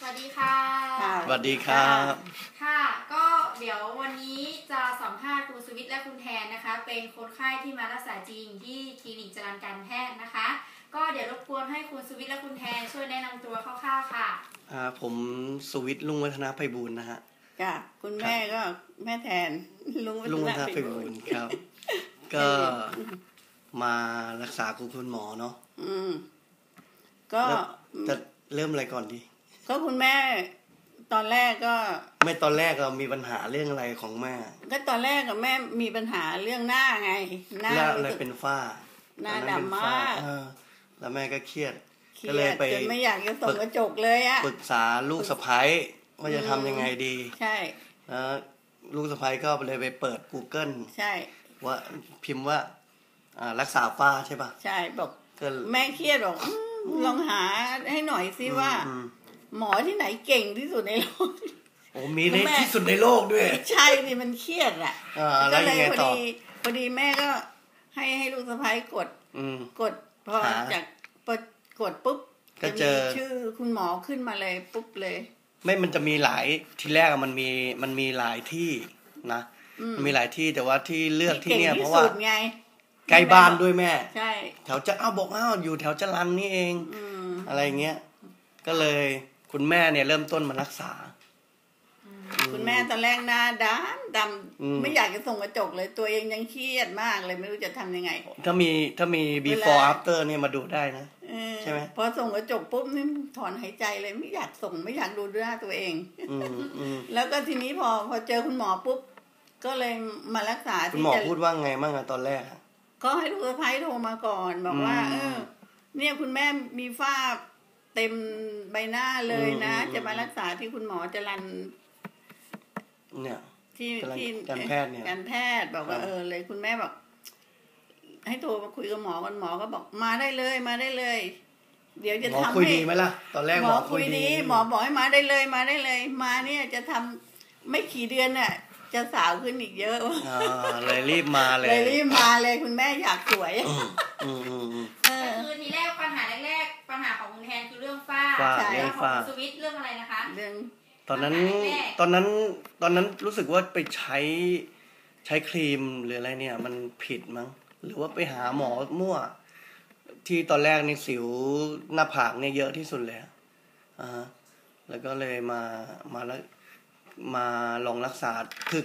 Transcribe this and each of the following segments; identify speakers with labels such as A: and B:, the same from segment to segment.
A: วัสดีค่ะ
B: สวัสดีครับ
A: ค่ะก็เดี๋ยววันนี้จะสัมภาษณ์คุณสุวิทย์และคุณแทนนะคะเป็นคนไข้ที่มารักษาจริงที่คลินิกจรัญการแพทย์นะคะก็เดี๋ยวรบกวนให้คุณสุวิทย์และคุณแทนช่วยแนะนำตัวคร่าวๆค่ะ
B: ผมสุวิทย์ลุงวัฒนาไพบูลย์นะฮะ
C: ค่ะคุณแม่ก็แม่แทนลุงวัฒนาไพบูลย์
B: ครับก็มารักษาคุณหมอเนาะ
C: ก็
B: จะเริ่มอะไรก่อนดี
C: ก็คุณแม่ตอนแรกก็
B: ไม่ตอนแรกเรามีปัญหาเรื่องอะไรของแม่
C: ก็ตอนแรกกับแม่มีปัญหาเรื่องหน้าไง
B: หน้าอะไรเป็นฝ้า
C: หน้าดำมาก
B: แล้วแม่ก็เครียด
C: ก็เลยไปจนไม่อยากจะส่องกระจกเลยอะ
B: ปรึกษาลูกสะใภ้ว่าจะทำยังไงดี
C: ใช่
B: แล้วลูกสะใภ้ก็เลยไปเปิด Google
C: ใช่
B: ว่าพิมพ์ว่ารักษาฝ้าใช่ป่ะ
C: ใช่บอกแม่เครียดบอกลองหาให้หน่อยสิว่าหมอที่ไหนเก่งที่สุดในโลก
B: โอ้มีที่สุดในโลกด้วย
C: ใช่ดิมันเครียดอ่ะก็เลยพอดีแม่ก็ให้ลูกสะใภ้กดพอจากกดปุ๊บ
B: ก็เจอ
C: ชื่อคุณหมอขึ้นมาเลยปุ๊บเลย
B: ไม่มันจะมีหลายทีแรกมันมีหลายที่นะมันมีหลายที่แต่ว่าที่เลือกที่เนี่ยเพราะว่าใกล้บ้านด้วยแม่
C: ใช่
B: แถวจะบอกอยู่แถวจรัญนี่เองอะไรเงี้ยก็เลยคุณแม่เนี่ยเริ่มต้นมารักษา
C: คุณแม่ตอนแรกหน้าดำไม่อยากจะส่งกระจกเลยตัวเองยังเครียดมากเลยไม่รู้จะทำยังไง
B: ถ้ามี before after เนี่ยมาดูได้นะใช่ไหม
C: พอส่งกระจกปุ๊บนี่ถอนหายใจเลยไม่อยากส่งไม่อยากดูหน้าตัวเองแล้วก็ทีนี้พอเจอคุณหมอปุ๊บก็เลยมารักษา
B: คุณหมอพูดว่าไงบ้างตอนแรก
C: ก็ให้ลูกสะใภ้โทรมาก่อนบอกว่าเนี่ยคุณแม่มีฝ้าเต็มใบหน้าเลยนะจะมารักษาที่คุณหมอจรัญ
B: เนี่ย
C: ที่
B: การแพทย์เนี่ย
C: การแพทย์บอกว่าเลยคุณแม่บอกให้โทรมาคุยกับหมอกันหมอก็บอกมาได้เลยเดี๋ยวจะทำให้หมอ
B: คุยดีไหมล่ะตอนแรกหมอคุยดี
C: หมอบอกให้มาได้เลยมาเนี่ยจะทำไม่กี่เดือนน่ะจะสาวขึ้นอีกเยอะ
B: เลยรีบมาเลย
C: คุณแม่อยากสวย
A: คือทีแรกปัญหาของคุณแทนคือเรื่องฝ้าแล้วของคุณสุวิทย์เรื่องอะไรนะคะ
C: เรื่อง
B: ตอนนั้นรู้สึกว่าไปใช้ครีมหรืออะไรเนี่ยมันผิดมั้งหรือว่าไปหาหมอมั่วที่ตอนแรกในสิวหน้าผากเนี่ยเยอะที่สุดเลยแล้วก็เลยมาแล้วมาลองรักษา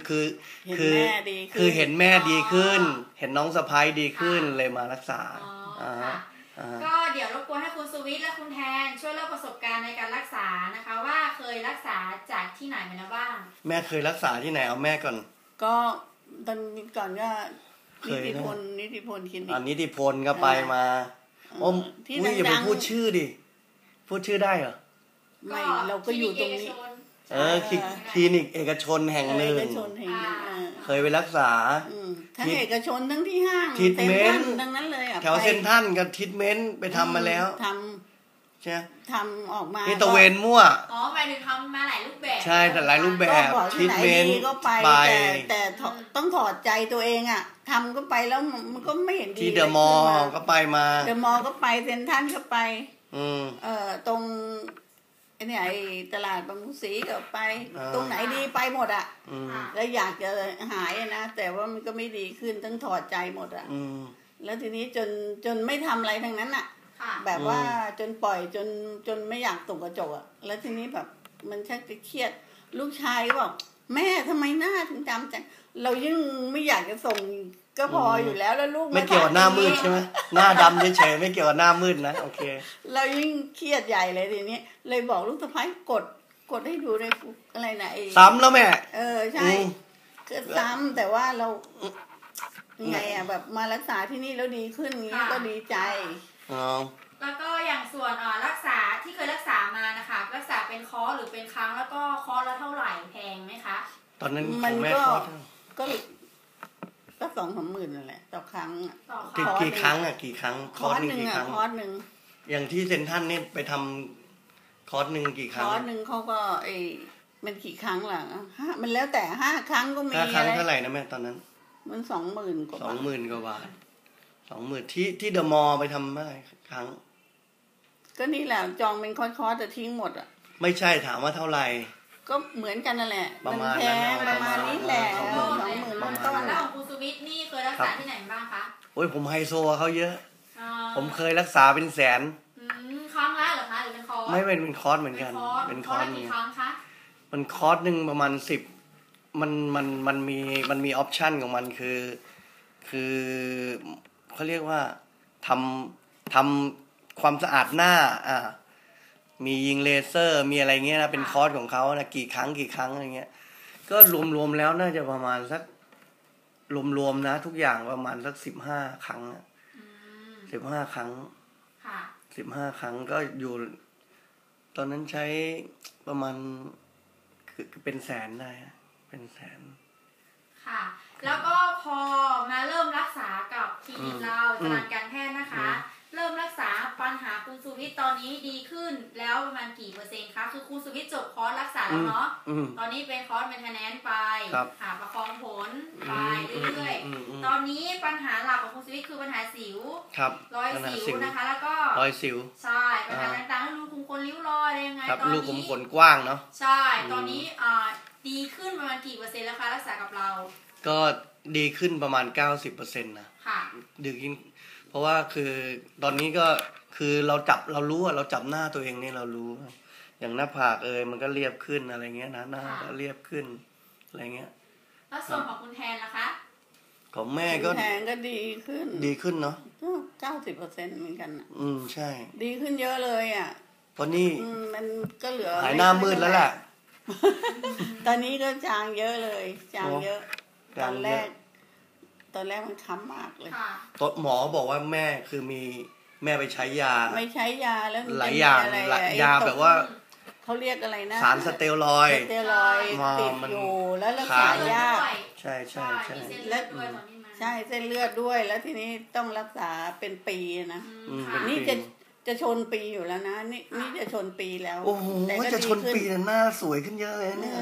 B: คือเห็นแม่ดีขึ้นเห็นน้องสะใภ้ดีขึ้นเลยมารักษา
A: ก็เดี๋ยวรบกวนให้คุณสุวิทย์และคุณแทนช่วยเล่าประสบการณ์ในการรักษานะคะว่าเคยรักษาจากที่ไหนมาแล้วบ้าง
B: แม่เคยรักษาที่ไหนเอาแม่ก่อน
C: ก็ตอนก่อนก็นิติพลคลินิก
B: นิติพลก็ไปมาอย่าไปพูดชื่อดิพูดชื่อได้เหรอ
C: ไม่เราก็อยู่ตรงนี้
B: คลินิกเอกชนแห่งหนึ่งเคยไปรักษา
C: ทั้งเอกชนทั้งที่ห้าง
B: ทิทเมนต์
C: ทั้งนั้นเลย
B: แถวเซ็นทรัลกับทิทเมนต์ไปทำมาแล้วใช่
C: ทำออกมา
B: นี่ตะเวนมั่ว
A: หมายถึงทำมาหลายรูปแบบ
B: ใช่แต่หลายรูปแบบทิทเมนต์
C: ก็ไปแต่ต้องถอดใจตัวเองอ่ะทำก็ไปแล้วมันก็ไม่เห็นดี
B: ที่เดอะมอลล์ก็ไปมา
C: เดอะมอลล์ก็ไปเซ็นทรัลก็ไปตรงไอ้ตลาดบางมุสีก็ไปตรงไหนดีไปหมดอ่ะแล้วอยากจะหายนะแต่ว่ามันก็ไม่ดีขึ้นต้องถอดใจหมดอ่ะแล้วทีนี้จนไม่ทำอะไรทั้งนั้นอ่ะแบบว่าจนปล่อยจนไม่อยากตกกระจกอ่ะแล้วทีนี้แบบมันชักจะเครียดลูกชายก็บอกแม่ทำไมหน้าถึงดำจังเรายิ่งไม่อยากจะส่งก็พออยู่แล้วลูก
B: ไม่เกี่ยวกับหน้ามืดใช่ไหมหน้าดำเฉยๆไม่เกี่ยวกับหน้ามืดนะโอเค
C: เรายิ่งเครียดใหญ่เลยทีนี้เลยบอกลูกสะใภ้กดให้ดูในอะไรนะ
B: ซ้ำแล้วแม่
C: ใช่ก็ซ้ำแต่ว่าเราไงอ่ะแบบมารักษาที่นี่แล้วดีขึ้นนี้ก็ดีใจ
A: แล้วก็อย่างส่วนรักษาที่เคยรักษามานะคะรักษาเป็นคอร์สหรือเป็นครั้งแล้วก็คอร์สละเท่าไหร่แพงไหมคะ
B: ตอนนั้น
C: มันก็2-3 หมื่นนั่นแหละต่อครั้ง
B: กี่ครั้งคอร์สหนึ่งกี่ครั้ง
C: คอร์สหนึ่ง
B: อย่างที่เซ็นทรัลนี่ไปทำคอร์สหนึ่งกี่ครั้ง
C: คอร์สหนึ่งเขาก็มันกี่ครั้งล่ะมันแล้วแต่5 ครั้งก็มี
B: 5 ครั้งเท่าไหร่นะแม่ตอนนั้น
C: มัน20,000 กว่า
B: 20,000 กว่าบาท20,000ที่เดอะมอลล์ไปทำเมื่อไหร่ครั้ง
C: ก็นี่แหละจองเป็นคอร์สแต่ทิ้งหมดอ่ะ
B: ไม่ใช่ถามว่าเท่าไหร่
C: ก็เหมือนกันนั่นแหละ
B: ประมาณ
C: ประมาณนี้แหละ20,000ต้น
A: แล้วของคุณสุวิทย์นี่เคยรักษาที่ไหนบ้างคะ
B: โอ้ยผมไฮโซเขาเยอะผมเคยรักษาเป็นแสน
A: ครั้งละเหรอคะหรือเป็นคอร์ส
B: ไม่เป็นคอร์สเหมือนกัน
A: เป็นคอร์สกี่ครั้งคะ
B: มันคอร์สนึงประมาณ10มันมีออปชั่นของมันคือเขาเรียกว่าทำความสะอาดหน้ามียิงเลเซอร์มีอะไรเงี้ยนะเป็นคอร์สของเขานะกี่ครั้งอะไรเงี้ยก็รวมแล้วน่าจะประมาณสักรวมนะทุกอย่างประมาณสัก15 ครั้ง15 ครั้ง15 ครั้งก็อยู่ตอนนั้นใช้ประมาณคือเป็นแสนได้เป็นแสน
A: ค่ะแล้วก็พอมาเริ่มรักษากับคลินิกเราจรัญการแพทย์นะคะเริ่มรักษาปัญหาคุณสุวิทย์ตอนนี้ดีขึ้นแล้วประมาณกี่เปอร์เซ็นต์คะคือคุณสุวิทย์จบคอร์สรักษาแล้วเนาะตอนนี้เป็นคอร์สเมนเทนแนนซ์ไปหาประคองผลไปเรื่อยๆตอนนี้ปัญหาหลักของคุณสุวิทย์คือปัญหาสิวรอยสิวนะคะแล้วก็
B: รอยสิว
A: ใช่ปัญหาต่างๆรูขุมขนริ้วรอยอะไรยังไง
B: ตอนนี้รูขุมขนกว้างเนาะ
A: ใช่ตอนนี้ดีขึ้นประมาณกี่เปอร์เซ็นต์แล้วคะรักษากับเรา
B: ก็ดีขึ้นประมาณ 90% นะ
A: ค่ะ
B: ดีขึ้นเพราะว่าคือตอนนี้ก็คือเรารู้ว่าเราจับหน้าตัวเองนี่เรารู้อย่างหน้าผากมันก็เรียบขึ้นอะไรเงี้ยนะหน้าก็เรียบขึ้นอะไรเงี้ย
A: แล้วส่วนของคุณแทนล่ะคะ
B: ของแม่ก็
C: แทนก็ดีขึ้น
B: เนาะ
C: 90%เหมือนกัน
B: ใช่
C: ดีขึ้นเยอะเลย
B: เพราะนี่
C: มันก็เหลือ
B: หายหน้ามืดแล้วแหละ
C: ตอนนี้ก็จางเยอะเลยจางเยอะตอนแรกมันค้ำมากเลย
B: หมอบอกว่าแม่คือแม่ไปใช้ยา
C: ไม่ใช้ยาแล้ว
B: หลายอย่างยาแบบว่า
C: เขาเรียกอะไรนะ
B: สารสเตียรอยด์
C: ติดอยู่แล้วรักษายาก
B: ใช่
C: แล้วใช่เส้นเลือดด้วยแล้วทีนี้ต้องรักษาเป็นปีนะนี่จะชนปีอยู่แล้วนะนี่จะชนปีแล้ว
B: โอ้โหจะชนปีหน้าสวยขึ้นเยอะเลยเนี่ย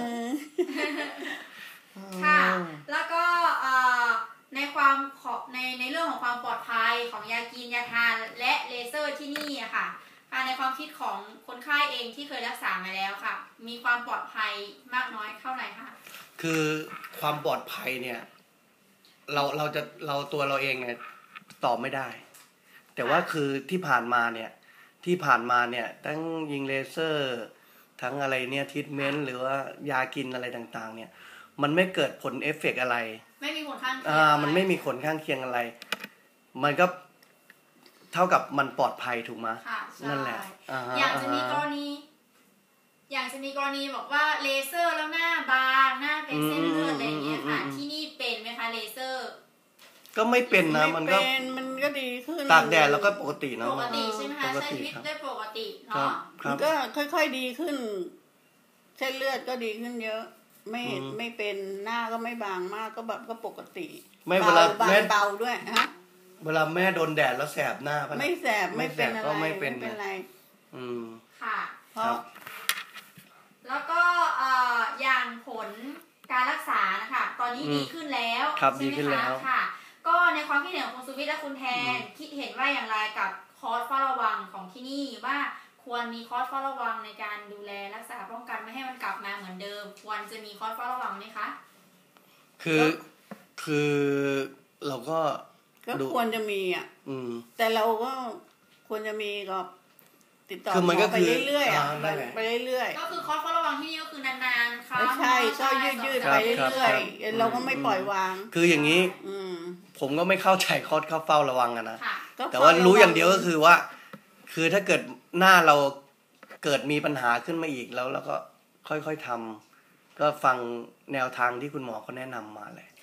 A: ค่ะแล้วก็ในความในเรื่องของความปลอดภัยของยากินยาทานและเลเซอร์ที่นี่อะค่ะในความคิดของคนไข้เองที่เคยรักษามาแล้วค่ะมีความปลอดภัยมากน้อยเท่าไหร่คะ
B: คือความปลอดภัยเนี่ยเราตัวเราเองเนี่ยตอบไม่ได้แต่ว่าคือที่ผ่านมาเนี่ยทั้งยิงเลเซอร์ทั้งอะไรเนี่ยทรีทเมนต์หรือว่ายากินอะไรต่างๆเนี่ยมันไม่เกิดผลเอฟเฟกต์อะไร
A: ไม่มีผลข้างเคียง
B: มันไม่มีผลข้างเคียงอะไรมันก็เท่ากับมันปลอดภัยถูกไหมนั่นแหละ
A: อย่างจะมีกรณีบอกว่าเลเซอร์แล้วหน้าบางหน้าเป็นเส้นเลือดอะไรอย่างเงี้ยค่ะที่นี่เป็นไหมคะเลเซอร์
B: ก็ไม่เป็นนะมัน
C: ก็ดีขึ้น
B: ตากแดดแล้วก็ปกติเนาะ
A: ปกติใช่ไหมคะใช้ชีวิตได้ปกติเนาะ
C: มันก็ค่อยๆดีขึ้นเส้นเลือดก็ดีขึ้นเยอะไม่เป็นหน้าก็ไม่บางมากก็แบบก็ปกติ
B: ไม่เวลาแม่
C: เบาด้วยฮะ
B: เวลาแม่โดนแดดแล้วแสบหน้า
C: ไม่แสบไม่เป็นอะไร
B: ไม่เป็น
C: ไร
A: ค่ะแล้วก็อย่างผลการรักษานะคะตอนนี้ดีขึ้นแล้ว
B: ใช่ไหมคะ
A: ค่ะก็ในความคิดเห็นของคุณสุวิทย์และคุณแทนคิดเห็นว่าอย่างไรกับคอร์สเฝ้าระวังของที่นี่ว่าควรมีคอร์สเฝ้าระวังในการดูแลรักษาป้องกันไม่ให้มันกลับมาเหมือนเดิมควรจะมีคอร์สเฝ้าระวังไหมคะ
B: คือเราก็
C: ควรจะมีแต่เราก็ควรจะมีก็ติดต่อไปเรื่อยๆไปเรื่อย
A: ๆก็คือคอร์สเฝ้าระวังที่นี่ก็คือนานๆค่ะ
C: ใช่ก็ยืดไปเรื่อยๆเราก็ไม่ปล่อยวาง
B: คืออย่างนี้ผมก็ไม่เข้าใจคอร์สเฝ้าระวังนะแต่ว่ารู้อย่างเดียวก็คือว่าคือถ้าเกิดหน้าเราเกิดมีปัญหาขึ้นมาอีกแล้วก็ค่อยๆทำก็ฟังแนวทางที่คุณหมอเขาแนะนำมาเลย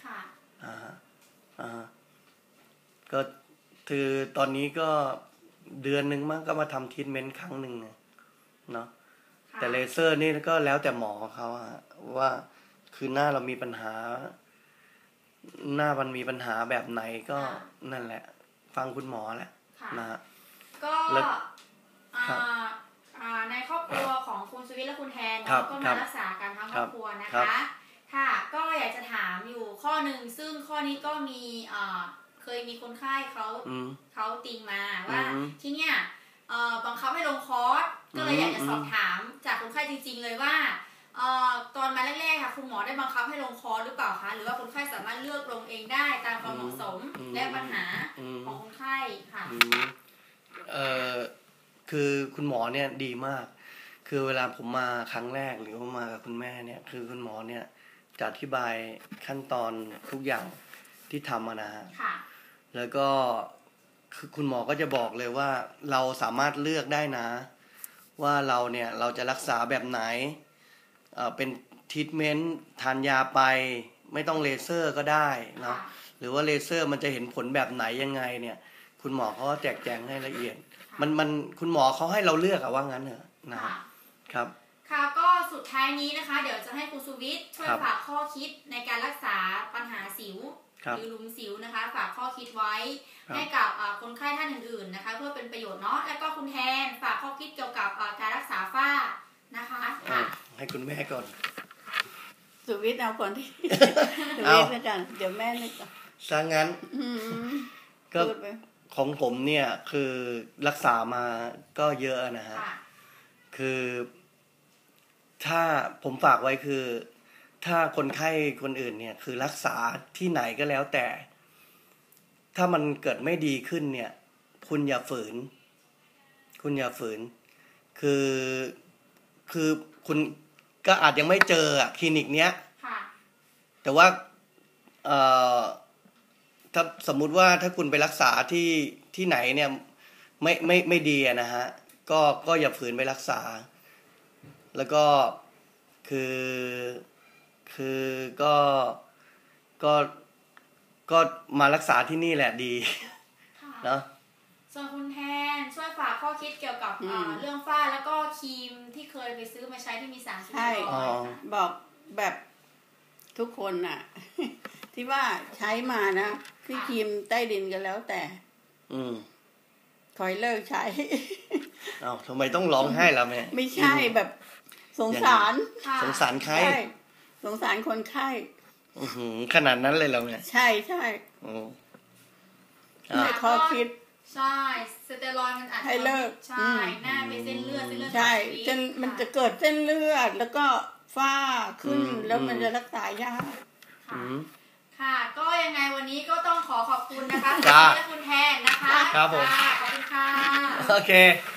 B: ก็คือตอนนี้ก็เดือนนึงมั้งก็มาทำทรีทเมนต์ครั้งหนึ่งเนาะแต่เลเซอร์นี่ก็แล้วแต่หมอเขาว่าคือหน้าเรามีปัญหาหน้ามันมีปัญหาแบบไหนก็นั่นแหละฟังคุณหมอแหละนะ
A: ก็ในครอบครัวของคุณสุวิทย์และคุณแทนก็มารักษากันทั้งครอบครัวนะคะค่ะก็อยากจะถามอยู่ข้อหนึ่งซึ่งข้อนี้ก็มีเคยมีคนไข้เขาติงมาว่าที่เนี้ยบังคับให้ลงคอร์สก็เลยอยากจะสอบถามจากคนไข้จริงๆเลยว่าตอนมาแรกๆค่ะคุณหมอได้บังคับให้ลงคอร์สหรือเปล่าคะหรือว่าคนไข้สามารถเลือกลงเองได้ตามความเหมาะสมและปัญหาของคนไข้ค่ะ
B: คือคุณหมอเนี่ยดีมากคือเวลาผมมาครั้งแรกหรือว่ามากับคุณแม่เนี่ยคือคุณหมอเนี่ยจะอธิบายขั้นตอนทุกอย่างที่ทำนะฮะแล้วก็คือคุณหมอก็จะบอกเลยว่าเราสามารถเลือกได้นะว่าเราจะรักษาแบบไหนเป็นทรีทเมนต์ทานยาไปไม่ต้องเลเซอร์ก็ได้เนาะหรือว่าเลเซอร์มันจะเห็นผลแบบไหนยังไงเนี่ยคุณหมอเขาแจกแจงให้ละเอียดมันคุณหมอเขาให้เราเลือกว่างั้นเหรอนะครับ
A: ค่ะก็สุดท้ายนี้นะคะเดี๋ยวจะให้คุณสุวิทย์ช่วยฝากข้อคิดในการรักษาปัญหาสิวหรือหลุมสิวนะคะฝากข้อคิดไว้ให้กับคนไข้ท่านอื่นๆนะคะเพื่อเป็นประโยชน์เนาะแล้วก็คุณแทนฝากข้อคิดเกี่ยวกับการรักษาฝ้านะคะ
B: ให้คุณแม่ก่อน
C: สุวิทย์เอาก่อนที่สุวิทย์กันเดี๋ยวแม่นึกก่อน
B: ซะงั้นก็ของผมเนี่ยคือรักษามาก็เยอะนะฮะคือถ้าผมฝากไว้คือถ้าคนไข้คนอื่นเนี่ยคือรักษาที่ไหนก็แล้วแต่ถ้ามันเกิดไม่ดีขึ้นเนี่ยคุณอย่าฝืนคือคุณก็อาจยังไม่เจอคลินิกเนี้ยแต่ว่าถ้าสมมุติว่าถ้าคุณไปรักษาที่ไหนเนี่ยไม่ดีนะฮะก็อย่าฝืนไปรักษาแล้วก็คือก็มารักษาที่นี่แหละดีเนาะ
A: ส่วนคุณแทนช่วยฝากข้อคิดเกี่ยวกับเรื่องฝ้าแล้วก็ครีมที่เคยไปซื้อมาใช้ที่มีสารสูง
C: บอกแบบทุกคนน่ะ ที่ว่าใช้มานะที่ครีมใต้ดินกันแล้วแต่คอยเลิกใช้
B: ทำไมต้องร้องไห้ล่ะแม่
C: ไม่ใช่แบบสงสาร
B: ใคร
C: สงสารคนไข้
B: ขนาดนั้นเลยเหรอแม่
C: ใช่ข้อคิด
A: ใช่สเตียรอยด์มันอาจจะ
C: ให้เลิก
A: ใช่หน้าเป็นเส้นเลือด
C: ใช่มันจะเกิดเส้นเลือดแล้วก็ฝ้าขึ้นแล้วมันจะรักษายาก
A: ค่ะก็ยังไงวันนี้ก็ต้องขอบคุณนะคะคุณและคุณแทนนะคะ
B: ครับผม
A: ขอบคุณค่ะ
B: โอเค